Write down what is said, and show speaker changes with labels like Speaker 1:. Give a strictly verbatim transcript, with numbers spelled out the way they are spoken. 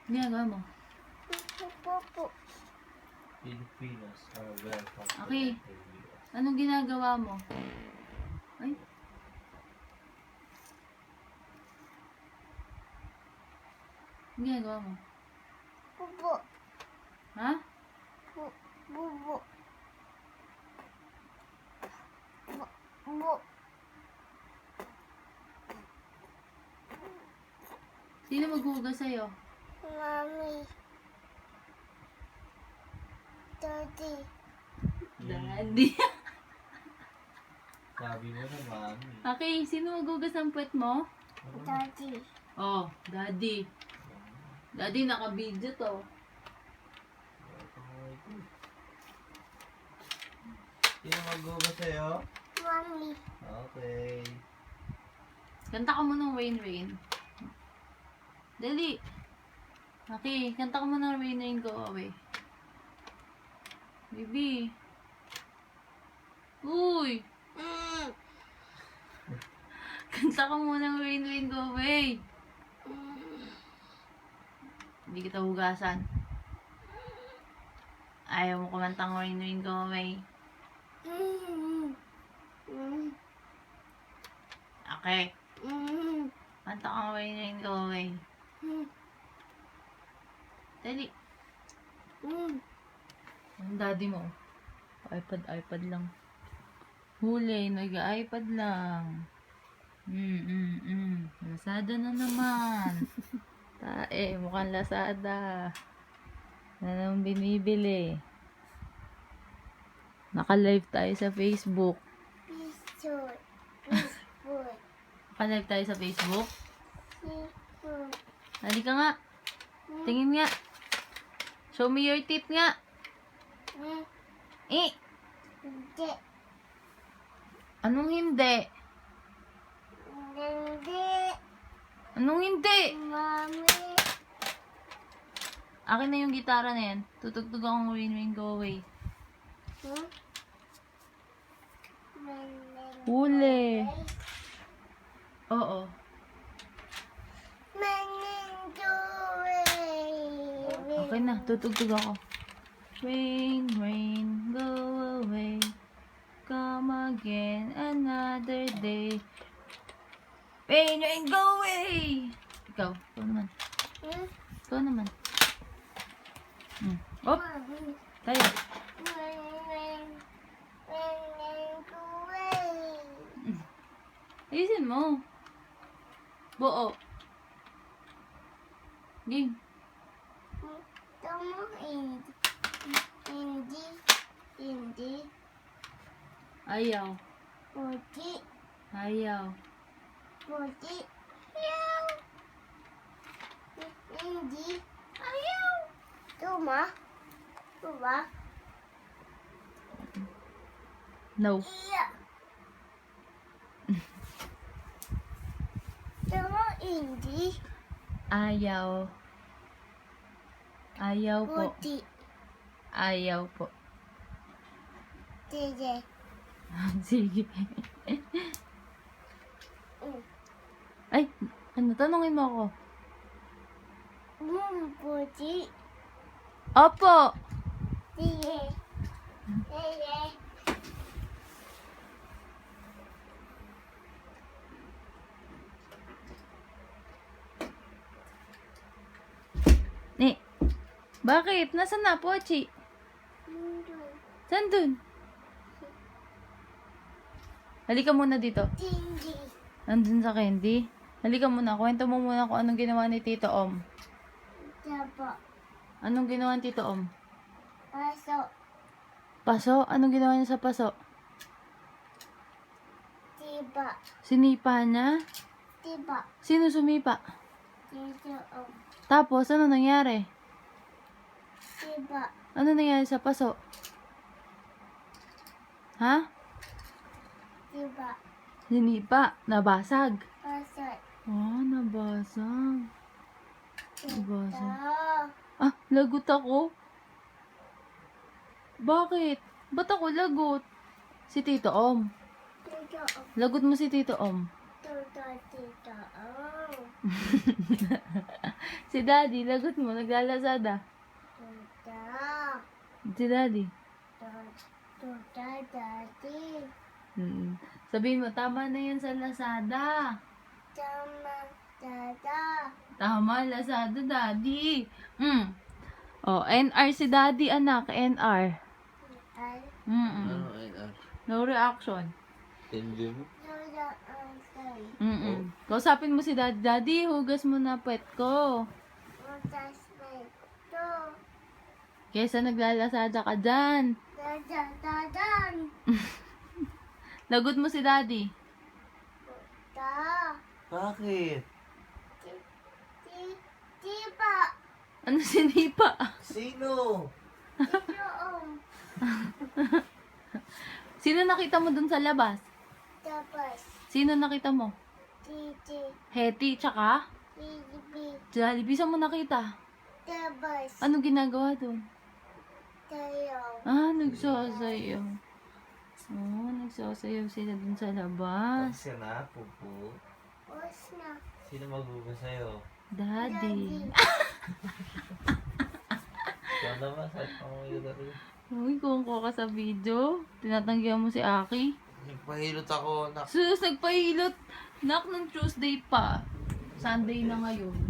Speaker 1: Ginagawa mo?
Speaker 2: Popo.
Speaker 3: Filipinos are welcome to
Speaker 1: Okay.
Speaker 3: the U S.
Speaker 1: Anong ginagawa mo? Ay. Anong ginagawa mo?
Speaker 2: Popo.
Speaker 1: Ha?
Speaker 2: Bubo. Bubo.
Speaker 1: Sino maghuhugas sa'yo?
Speaker 2: Mami. Daddy.
Speaker 1: Daddy.
Speaker 3: Sabi mo na, mami.
Speaker 1: Okay, sino maghuhugas ng puwet mo?
Speaker 2: Daddy.
Speaker 1: Oh, daddy. Daddy, naka-video to.
Speaker 3: Sino maghugas sa'yo?
Speaker 2: Mami.
Speaker 3: Okay.
Speaker 1: Kanta ka mo ng Rain Rain. Dali. Okay, kanta ka mo ng Rain Rain Go Away. Baby. Uy!
Speaker 2: Mm.
Speaker 1: Kanta ka mo ng Rain Rain Go Away.
Speaker 2: Mm.
Speaker 1: Hindi kita hugasan. Ayaw mo kumantang Rain Rain Go Away.
Speaker 2: Mm. Mm.
Speaker 1: Okay.
Speaker 2: Mm.
Speaker 1: Kanta ka Rain Rain Go Away.
Speaker 2: Mm.
Speaker 1: Dali.
Speaker 2: Mm.
Speaker 1: Ang daddy mo. iPad, iPad lang. Huli, nag-iPad lang. Mm, mm, mm. Lazada na naman. Tae, mukhang Lazada. Na naman binibili. Naka-live tayo sa Facebook.
Speaker 2: Pistol. Pistol.
Speaker 1: Naka-live tayo sa Facebook.
Speaker 2: Pistol.
Speaker 1: Dali ka nga. Tingin nga. Show me your teeth nga.
Speaker 2: Mm.
Speaker 1: Eh,
Speaker 2: Hindi.
Speaker 1: anong hindi?
Speaker 2: Hindi.
Speaker 1: Anong hindi?
Speaker 2: Mami.
Speaker 1: Akin na yung gitara na yan. Tutugtog akong Rain Rain Go Away.
Speaker 2: Hmm?
Speaker 1: Huli. Oo. Okay na, tutugtog ako. Rain, rain, go away. Come again another day. Rain, rain, go away! Ikaw, ikaw naman.
Speaker 2: Hmm?
Speaker 1: Ikaw naman. Hmm. Op, tayo. Ayusin mo. Buo. Game.
Speaker 2: Tama, hindi. Hindi. Hindi.
Speaker 1: Ayaw.
Speaker 2: Puti.
Speaker 1: Ayaw.
Speaker 2: Puti. Ayaw. Hindi. Ayaw. Tuma. Tuma.
Speaker 1: No.
Speaker 2: Iya. Tama, hindi.
Speaker 1: Ayaw. Ayaw po.
Speaker 2: Puti.
Speaker 1: Ayaw po.
Speaker 2: Sige.
Speaker 1: Sige.
Speaker 2: Mm.
Speaker 1: Ay, ano, tanungin mo ako.
Speaker 2: Mm, puti.
Speaker 1: Opo.
Speaker 2: Sige. Sige.
Speaker 1: Eh, bakit? Nasaan na, Pochi? Saan dun? Halika muna dito.
Speaker 2: Hindi.
Speaker 1: Nandun sa candy. Halika muna. Kwento mo muna kung anong ginawa ni Tito Om.
Speaker 2: Tapa.
Speaker 1: Anong ginawa ni Tito Om?
Speaker 2: Paso.
Speaker 1: Paso? Anong ginawa niya sa paso?
Speaker 2: Tiba.
Speaker 1: Sinipa niya?
Speaker 2: Tiba.
Speaker 1: Sino sumipa?
Speaker 2: Dito. Oh.
Speaker 1: Tapos, ano nangyari?
Speaker 2: Tiba.
Speaker 1: Ano nangyari sa paso? Ha?
Speaker 2: Tiba.
Speaker 1: Sinipa. Nabasag.
Speaker 2: Paso.
Speaker 1: Ah, nabasag.
Speaker 2: Ito.
Speaker 1: Nabasag. Ah, lagot ako. Bakit? Ba't ako lagot? Si Tito Om.
Speaker 2: Dito.
Speaker 1: Lagot mo si Tito Om.
Speaker 2: Dito. Dito. Oh.
Speaker 1: Si daddy, lagot mo, naglalasada.
Speaker 2: Tuta.
Speaker 1: Si daddy.
Speaker 2: Tuta, daddy.
Speaker 1: Mm. Sabihin mo, tama na yan sa Lazada.
Speaker 2: Tama, dada.
Speaker 1: Tama, Lazada, daddy. Mm. Oh, N R si daddy, anak. N R.
Speaker 2: Ay,
Speaker 1: Mm-mm.
Speaker 3: Ano, ay, ah.
Speaker 1: No reaction.
Speaker 3: Enjoy mo?
Speaker 2: tuta, okay.
Speaker 1: Mm-mm. Kausapin mo si daddy. Daddy, hugas mo na pet ko.
Speaker 2: Utas may to.
Speaker 1: Kesa naglalasada ka dyan.
Speaker 2: Dada, dadan.
Speaker 1: Lagot mo si daddy.
Speaker 2: Tuta.
Speaker 3: Bakit?
Speaker 2: Ti, ti, tiba.
Speaker 1: Ano sinipa?
Speaker 3: Sino?
Speaker 2: Itoong.
Speaker 1: Sino nakita mo dun sa labas?
Speaker 2: Tapos,
Speaker 1: Sino nakita mo?
Speaker 2: titi,
Speaker 1: Hetty, tsaka?
Speaker 2: bibi,
Speaker 1: Jollibee, saan mo nakita?
Speaker 2: tapos,
Speaker 1: Ano ginagawa dun?
Speaker 2: tayo.
Speaker 1: Ah, nagsasayaw. Oh, nagsasayaw sila dun sa labas.
Speaker 3: Kasi na, pupo.
Speaker 2: Us na.
Speaker 3: Sino maghugas sa'yo?
Speaker 1: Daddy.
Speaker 3: Ikaw naman, saan pa mo yung laro?
Speaker 1: Uy, kung ko ka sa video, tinatanggihan mo si Aki.
Speaker 3: Nagpahilot ako, nak.
Speaker 1: Sus, nagpahilot. Nak, ng Tuesday pa. Sunday na ngayon.